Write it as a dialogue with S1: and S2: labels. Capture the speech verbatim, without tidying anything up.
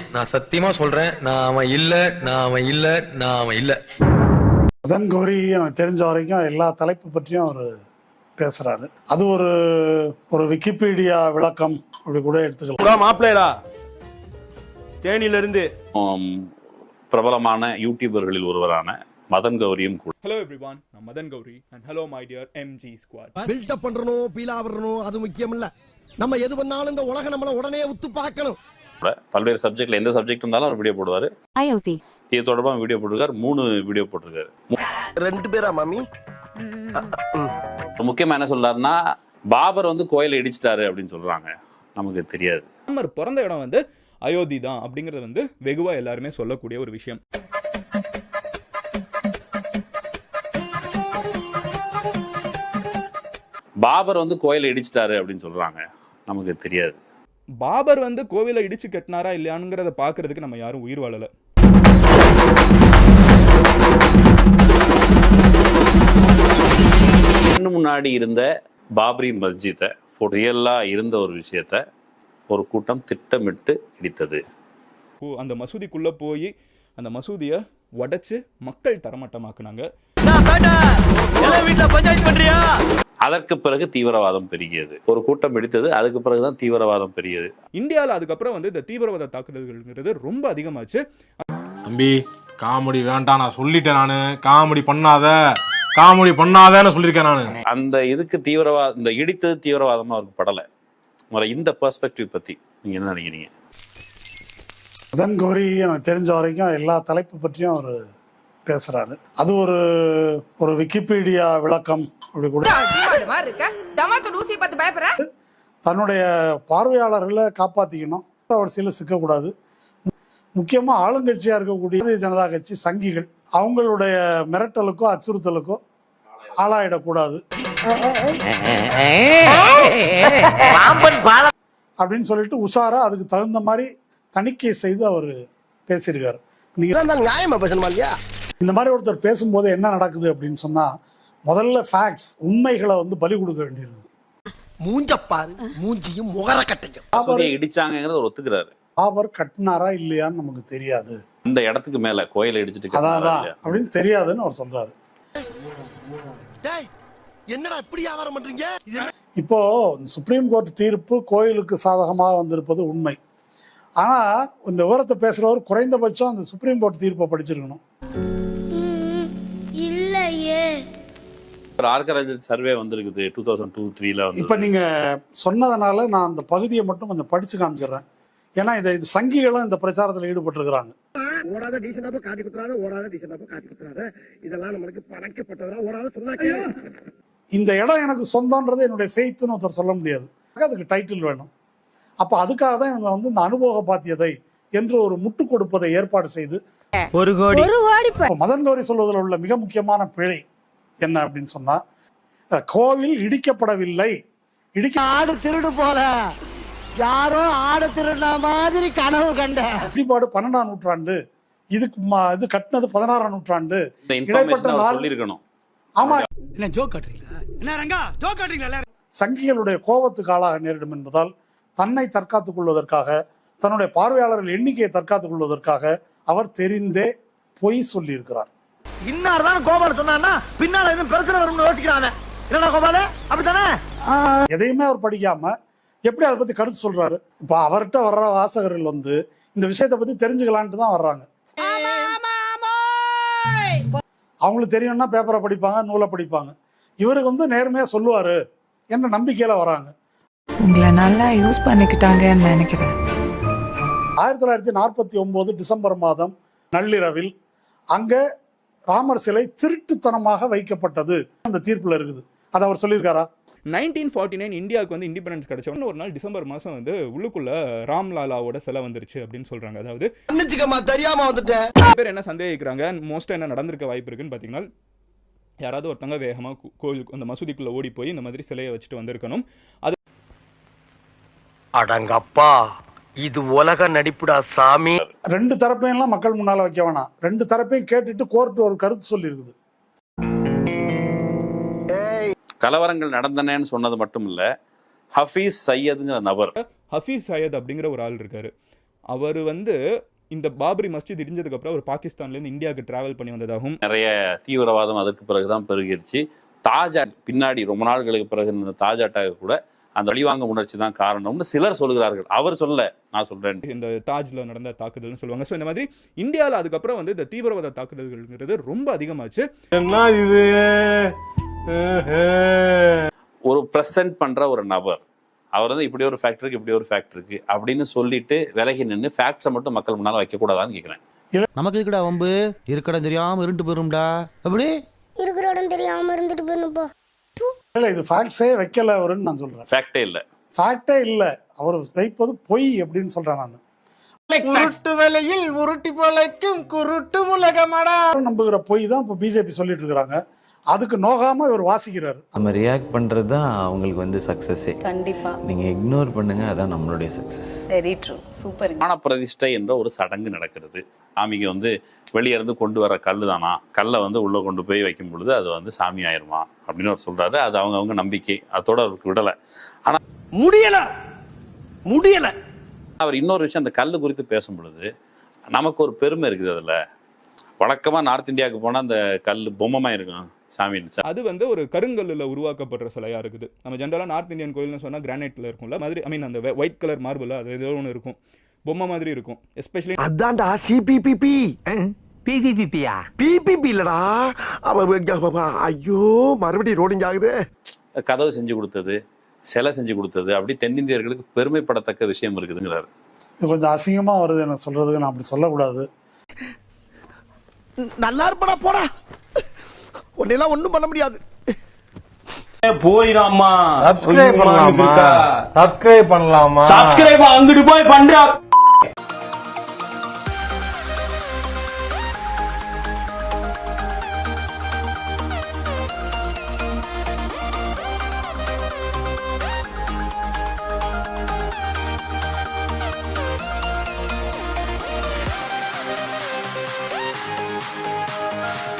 S1: நான் சத்தியமா சொல்றேன், நான் அவன் இல்ல, நான் அவன் இல்ல, நான் அவன் இல்ல.
S2: மதன் கௌரி எனக்கு தெரிஞ்ச வரைக்கும் எல்லா தலைப்பு பற்றியும் அவர் பேசுறாரு. அது ஒரு ஒரு விக்கிபீடியா விளக்கம் அப்படி கூட எடுத்துக்கலாம்.
S3: மாப்பிள்ளைடா தேனியிலிருந்து
S4: பிரபலமான யூடியூபர்களில் ஒருவரான மதன் கௌரியும் கூட.
S3: ஹலோ எவ்ரிவான், நான் Madan Gowri and hello my dear MG squad.
S5: Build up பண்றணும், பீலா வரணும், அது முக்கியம் இல்ல. நம்ம எது பண்ணாலும் இந்த உலகம் நம்மள உடனே உத்து பார்க்கணும்.
S4: பல்வேறு சப்ஜெக்ட்ல எந்த சப்ஜெக்ட் இருந்தாலும் அவர் வீடியோ போடுவாரு.
S6: அயோத்தி
S4: இது தொடர்பா வீடியோ போட்டிருக்காரு. மூணு வீடியோ போட்டிருக்காரு.
S5: ரெண்டு பேரா மாமி?
S4: முக்கியமா என்ன சொல்றாருன்னா, பாபர் வந்து கோயிலை இடிச்சிட்டாரு அப்படின்னு சொல்றாங்க. நமக்கு தெரியாது.
S3: ராமர் பிறந்த இடம் வந்து அயோத்தி தான் அப்படிங்கறது வந்து வெகுவா எல்லாருமே சொல்லக்கூடிய ஒரு விஷயம்.
S4: பாபர் வந்து கோயிலை இடிச்சிட்டாரு அப்படின்னு சொல்றாங்க. நமக்கு தெரியாது.
S3: பாபர் வந்து கோவிலை இடிச்சு கட்டினாரா இல்லையாங்கிறத பாக்குறதுக்கு நம்ம யாரும் உயிர் வாழல.
S4: முன்னாடி இருந்த பாபரி மஸ்ஜித்தை ரியலா இருந்த ஒரு விஷயத்த ஒரு கூட்டம் திட்டமிட்டு இடித்தது.
S3: அந்த மசூதிக்குள்ள போய் அந்த மசூதியை உடைச்சு மக்கள் தரமட்டமாக்குனாங்க.
S4: அதற்கு பிறகு தீவிரவாதம் பெருகியது. ஒரு கூட்டம் இடித்தது, அதுக்கு பிறகுதான் தீவிரவாதம் பெருகியது.
S3: இந்தியாவில் அதுக்கப்புறம் வந்து இந்த தீவிரவாத தாக்குதல்கள்ங்கிறது ரொம்ப அதிகமாச்சு.
S7: தம்பி காமெடி வேண்டாம், நான் சொல்லிட்டேன். நானு காமெடி பண்ணாத காமெடி பண்ணாதன்னு சொல்லியிருக்கேன் நானு.
S4: அந்த இதுக்கு தீவிரவாத இந்த இடித்தது தீவிரவாதமா அவருக்கு படலை. இந்த பெர்ஸ்பெக்டிவ் பத்தி நீங்க என்ன நினைக்கிறீங்க?
S2: மதன் கௌரி எனக்கு தெரிஞ்ச வரைக்கும் எல்லா தலைப்பு பற்றியும் அவர் பேசுறாரு. அது ஒரு ஒரு விக்கிபீடியா விளக்கம் அப்படி கூட. தன்னுடைய பார்வையாளர்களை காப்பாத்திக்கணும், வரிசையில் சிக்கக்கூடாது. முக்கியமா ஆளுங்கட்சியா இருக்கக்கூடிய ஜனதா கட்சி சங்கிகள் அவங்களுடைய மிரட்டலுக்கோ அச்சுறுத்தலுக்கோ ஆளாயிடக்கூடாது அப்படின்னு சொல்லிட்டு உஷாரா அதுக்கு தகுந்த மாதிரி தணிக்கை செய்து அவர் பேசியிருக்காரு. இந்த மாதிரி ஒருத்தர் பேசும்போது என்ன நடக்குது அப்படின்னு சொன்னா, முதல்ல ஃபேக்ட்ஸ் உண்மைகளை வந்து பலி கொடுக்க வேண்டியிருக்குது.
S5: மூஞ்சப்பாரு மூஞ்சியும் முகர கட்டையும்
S4: இடிச்சாங்கிறத ஒத்துக்கிறாரு.
S2: பாபர் கட்டினாரா இல்லையான்னு நமக்கு தெரியாது.
S4: இந்த இடத்துக்கு மேல கோயிலை இடிச்சிட்டு
S2: அதான் அப்படின்னு தெரியாதுன்னு அவர் சொல்றாரு.
S5: என்னடா இப்படி வியாபாரம் பண்றீங்க?
S2: இப்போ சுப்ரீம் கோர்ட் தீர்ப்பு கோயிலுக்கு சாதகமாக வந்திருப்பது உண்மை. ஆனா இந்த விவரத்தை பேசுறவர் குறைந்தபட்சம் அந்த சுப்ரீம் கோர்ட் தீர்ப்பை படிச்சிருக்கணும்.
S8: இல்லையே,
S4: ஆர்கராஜ் சர்வே வந்திருக்குது டூ தௌசண்ட் டூ த்ரீல.
S2: இப்ப நீங்க சொன்னதுனால நான் அந்த பகுதியை மட்டும் கொஞ்சம் படிச்சு காமிச்சிடுறேன். ஏன்னா இதை இது சங்கிகளும் இந்த பிரச்சாரத்தில் ஈடுபட்டிருக்கிறாங்க.
S5: ஓடாத டீசென்டாப்ப காட்டி குத்துறாத, ஓடாத டீசென்டாப்ப காட்டி குத்துறாத, இதெல்லாம் நமக்கு பணக்கப்பட்டதா. ஓடாத சொன்னாக்கே
S2: இந்த இடம் எனக்கு சொந்தம்ன்றது என்னுடைய ஃபெய்த்னு ஒருத்தர் சொல்ல முடியாது. அதுக்கு டைட்டில் வேணும். அப்ப அதுக்காக தான் இவங்க வந்து இந்த அனுபவ பாத்தியதை என்று ஒரு முட்டு கொடுப்பதை ஏற்பாடு செய்து
S6: ஒரு கோடி
S2: மதன் கௌரி சொல்வதில் உள்ள மிக முக்கியமான பிழை என்ன அப்படின்னு சொன்னா, கோவில் இடிக்கப்படவில்லை. இடிக்க
S5: ஆடு திருடு போல யாரோ ஆடு திருடுன மாதிரி கனவு கண்ட
S2: இடிபாடு பன்னெண்டாம் நூற்றாண்டு, இதுக்கு இது கட்டினது பதினாறாம் நூற்றாண்டு. இடைப்பட்ட நாள்
S4: இருக்கணும்.
S2: ஆமா,
S5: என்ன ஜோக் காட்டுறீங்களா? என்ன ரங்கா ஜோக் காட்டுறீங்களா?
S2: சங்கிகளுடைய கோபத்துக்கு ஆளாக நேரிடும் என்பதால் தன்னை தற்காத்துக் கொள்வதற்காக, தன்னுடைய பார்வையாளர்கள் எண்ணிக்கையை தற்காத்துக் கொள்வதற்காக அவர் தெரிந்தே பொய் சொல்லி இருக்கிறார்.
S5: இன்னார் தான் கோபால சொன்னான்னா பின்னால எதுவும் பிரச்சனை வரும்னு யோசிக்கிறாங்க. என்னடா கோபால அப்படித்தானே?
S2: எதையுமே அவர் படிக்காம எப்படி அதை பத்தி கருத்து சொல்றாரு. இப்ப அவர்கிட்ட வர்ற வாசகர்கள் வந்து இந்த விஷயத்தை பத்தி தெரிஞ்சுக்கலான்ட்டு தான் வர்றாங்க. அவங்களுக்கு தெரியும்னா பேப்பரை படிப்பாங்க, நூலை படிப்பாங்க. இவருக்கு வந்து நேர்மையா சொல்லுவாரு என்ற நம்பிக்கையில வராங்க.
S6: உங்களை நல்லா யூஸ் பண்ணிக்கிட்டாங்கன்னு நினைக்கிறேன்.
S2: ஆயிரத்தி தொள்ளாயிரத்தி நாற்பத்தி ஒன்பது டிசம்பர் மாதம் நள்ளிரவில் அங்க ராமர் சிலை திருட்டுத்தனமாக வைக்கப்பட்டது அந்த தீர்ப்புல இருக்குது. அதை அவர் சொல்லியிருக்காரா?
S3: நைன்டீன் ஃபார்ட்டி நைன் இந்தியாவுக்கு வந்து இண்டிபெண்டன்ஸ் கிடைச்ச ஒரு நாள் டிசம்பர் மாசம் வந்து உள்ளுக்குள்ள ராம்லாலாவோட சிலை வந்துருச்சு அப்படின்னு சொல்றாங்க. அதாவது
S5: தெரியாம வந்துட்டேன்.
S3: பேர் என்ன சந்தேகிக்கிறாங்க, மோஸ்டா என்ன நடந்திருக்க வாய்ப்பு இருக்குன்னு பாத்தீங்கன்னா, யாராவது ஒருத்தங்க வேகமா கோயில் அந்த மசூதிக்குள்ள ஓடி போய் இந்த மாதிரி சிலையை வச்சுட்டு வந்திருக்கணும். அது
S5: அடங்கப்பா, இது உலக நடிப்புடா சாமி.
S2: ரெண்டு தரப்பையும் மக்கள் முன்னால வைக்க வேணாம். ரெண்டு தரப்பையும் கேட்டுட்டு கோர்ட் ஒரு கருத்து சொல்லி இருக்குது.
S4: கலவரங்கள் நடந்தனேன்னு சொன்னது மட்டும் இல்ல, ஹஃபீஸ் சையதுங்கிற நபர்,
S3: ஹஃபீஸ் சையத் அப்படிங்கிற ஒரு ஆள் இருக்காரு. அவர் வந்து இந்த பாபரி மஸ்ஜித் இடிஞ்சதுக்கு அப்புறம் அவர் பாகிஸ்தான்லேருந்து இந்தியாவுக்கு டிராவல் பண்ணி வந்ததாகவும்
S4: நிறைய தீவிரவாதம் அதற்கு பிறகுதான் பெருகிடுச்சு. தாஜா பின்னாடி ரொம்ப நாட்களுக்கு பிறகு இந்த தாஜ் அட்டாக் கூட அந்த வழிவாங்க உணர்ச்சி தான் காரணம்னு சிலர் சொல்கிறார்கள். அவர் சொல்ல, நான் சொல்றேன்.
S3: இந்த தாஜ்ல நடந்த தாக்குதல்னு சொல்லுவாங்க. ஸோ இந்த மாதிரி இந்தியாவில் அதுக்கப்புறம் வந்து இந்த தீவிரவாத தாக்குதல்கள்ங்கிறது ரொம்ப அதிகமாச்சு.
S7: என்ன இது
S4: ஒரு பிரசன்ட் பண்ற ஒரு நபர் அவர் வந்து இப்படி ஒரு ஃபேக்ட் இருக்கு இப்படி ஒரு ஃபேக்ட் இருக்கு அப்படின்னு சொல்லிட்டு விலகி நின்று ஃபேக்ட்ஸை மட்டும் மக்கள் முன்னால வைக்க கூடாதான்னு கேட்கிறேன்.
S8: நமக்கு இருக்கடா வம்பு, இருக்கடம் தெரியாம இருண்டு போயிரும்டா. அப்படி
S9: இருக்கிற இடம் தெரியாம இருந்துட்டு போயிருப்பா.
S2: இல்ல இது ஃபேக்ட்ஸே வைக்கல அவருன்னு நான் சொல்றேன்.
S4: ஃபேக்டே இல்ல,
S2: ஃபேக்டே இல்ல, அவர் வைப்பது பொய் அப்படின்னு சொல்றேன் நான்.
S7: உருட்டு வேலையில் உருட்டி போலைக்கும் குருட்டு உலகமடா
S2: நம்புகிற பொய் தான் இப்போ பிஜேபி சொல்லிட்டு இருக்காங்க. அதுக்கு நோகாம இவர் வாசிக்கிறாரு.
S10: நம்ம ரியாக்ட் பண்றது தான் அவங்களுக்கு வந்து சக்சஸே.
S11: கண்டிப்பா
S10: நீங்க இக்னோர் பண்ணுங்க, அதான் நம்மளுடைய சக்சஸ்.
S11: Very true, super.
S4: ஞான பிரதிஷ்டை என்ற ஒரு சடங்கு நடக்கிறது. சாமிக்கு வந்து வெளியே இருந்து கொண்டு வர கல்லு தானா, கல்லை வந்து உள்ள கொண்டு போய் வைக்கும் பொழுது அது வந்து சாமி ஆயிருமா அப்படின்னு அவர் சொல்றாரு. அது அவங்க அவங்க நம்பிக்கை, அதோட அவருக்கு விடலை. ஆனா
S5: முடியல முடியல
S4: அவர் இன்னொரு விஷயம், அந்த கல்லு குறித்து பேசும் பொழுது நமக்கு ஒரு பெருமை இருக்குது. அதுல வழக்கமா நார்த் இந்தியாவுக்கு போனா அந்த கல் பொம்மைமா இருக்கும் சாமி.
S3: அது வந்து ஒரு கருங்கல்ல உருவாக்கப்படுற சிலையா இருக்குது. நம்ம ஜென்ரலா நார்த் இந்தியன் கோயில்னு சொன்னா கிரானைட்ல இருக்கும்ல மாதிரி, ஐ மீன் அந்த ஒயிட் கலர் மார்பிள் அது ஏதோ ஒன்று இருக்கும், பொம்மை மாதிரி இருக்கும். எஸ்பெஷலி
S5: அதான்டா சிபிபிபி பிபிபிபியா பிபிபி இல்லடா. ஐயோ மறுபடியும் ரோடிங் ஆகுது.
S4: கதவு செஞ்சு கொடுத்தது, சிலை செஞ்சு கொடுத்தது, அப்படி தென்னிந்தியர்களுக்கு பெருமைப்படத்தக்க விஷயம் இருக்குதுங்கிறாரு.
S2: இது கொஞ்சம் அசிங்கமா வருது எனக்கு சொல்றதுக்கு, நான் அப்படி சொல்லக்கூடாது.
S5: நல்லா இருப்படா போடா, உன்னெல்லாம் ஒண்ணும் பண்ண முடியாது.
S7: போயிராமா சப்ஸ்கிரைப் பண்ணலாமா சப்ஸ்கிரைப் பண்ணலாமா
S5: சப்ஸ்கிரைப் அங்கிட்டு போய் பண்றா.